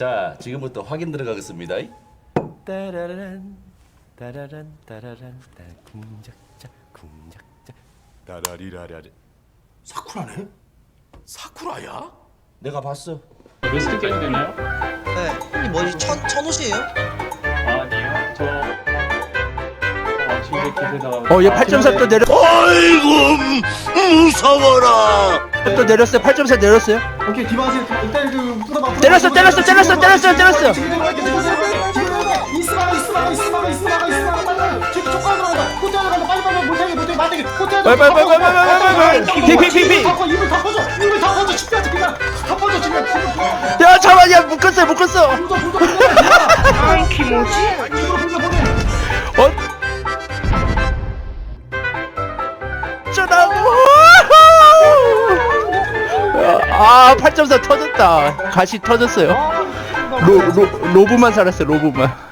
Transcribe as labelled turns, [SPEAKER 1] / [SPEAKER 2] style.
[SPEAKER 1] 자, 지금부터 확인 들어가겠습니다.
[SPEAKER 2] 따라란 따라란 따라란 궁작자 궁작자 따라리라라리.
[SPEAKER 1] 사쿠라네? 사쿠라야? 내가 봤어.
[SPEAKER 3] 웨스트 깨도 되나요?
[SPEAKER 4] 네. 형님 뭐지? 천옷이에요?
[SPEAKER 3] 아니요. 저 진짜 기세다.
[SPEAKER 2] 얘 8.4 또 내려.
[SPEAKER 1] 아이고 무서워라.
[SPEAKER 2] 또 내렸어요. 8.4 내렸어요.
[SPEAKER 5] 오케이 디바세요. 일단 그 풀어봐.
[SPEAKER 2] 때렸어.
[SPEAKER 5] 빨리. 지금 촉각 들어간다. 호텔 들어간다. 빨리 못하게 호텔.
[SPEAKER 2] 빨리. 피.
[SPEAKER 5] 입을 다 퍼져. 집까지 그냥 다 퍼져 지금.
[SPEAKER 2] 야 잠깐, 야 묶었어.
[SPEAKER 5] 아이 키모지.
[SPEAKER 2] 어쩌다고? 8.4 터졌다. 가시 터졌어요. 로브만 살았어요. 로브만.